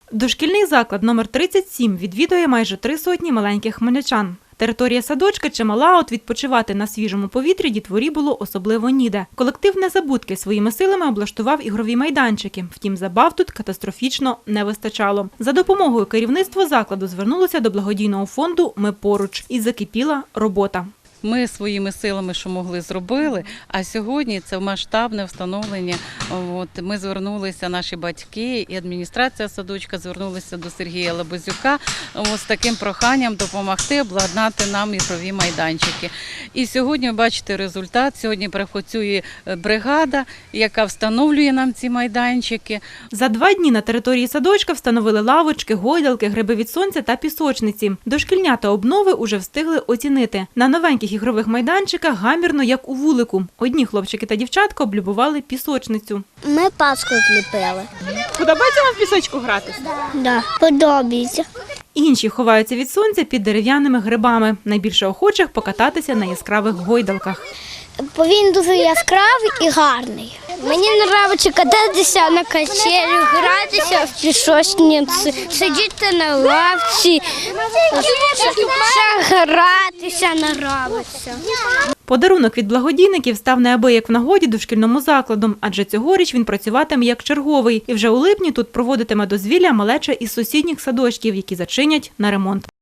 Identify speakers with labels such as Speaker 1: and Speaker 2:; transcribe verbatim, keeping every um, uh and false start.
Speaker 1: Дошкільний заклад номер тридцять сім відвідує майже три сотні маленьких хмельничан. Територія садочка чимала, от відпочивати на свіжому повітрі дітворі було особливо ніде. Колектив «Незабудки» своїми силами облаштував ігрові майданчики. Втім, забав тут катастрофічно не вистачало. За допомогою керівництво закладу звернулося до благодійного фонду «Ми поруч» і закипіла робота.
Speaker 2: Ми своїми силами, що могли, зробили, а сьогодні це масштабне встановлення. От, ми звернулися, наші батьки і адміністрація садочка звернулися до Сергія Лабазюка з таким проханням допомогти обладнати нам ігрові майданчики. І сьогодні, ви бачите результат, сьогодні працює бригада, яка встановлює нам ці майданчики.
Speaker 1: За два дні на території садочка встановили лавочки, гойдалки, гриби від сонця та пісочниці. Дошкільнята обнови уже встигли оцінити. На новеньких ігрових майданчиках гамірно, як у вулику. Одні хлопчики та дівчатка облюбували пісочницю.
Speaker 3: Ми паску зліпили.
Speaker 4: Подобається вам в пісочку грати?
Speaker 3: Да, подобається.
Speaker 1: Інші ховаються від сонця під дерев'яними грибами. Найбільше охочих покататися на яскравих гойдалках.
Speaker 3: Бо він дуже яскравий і гарний. Мені подобається кататися на качелю, гратися в пісочниці, сидіти на лавці, ще гратися, наравитися.
Speaker 1: Подарунок від благодійників став неабияк в нагоді дошкільному закладу, адже цьогоріч він працюватиме як черговий. І вже у липні тут проводитиме дозвілля малеча із сусідніх садочків, які зачинять на ремонт.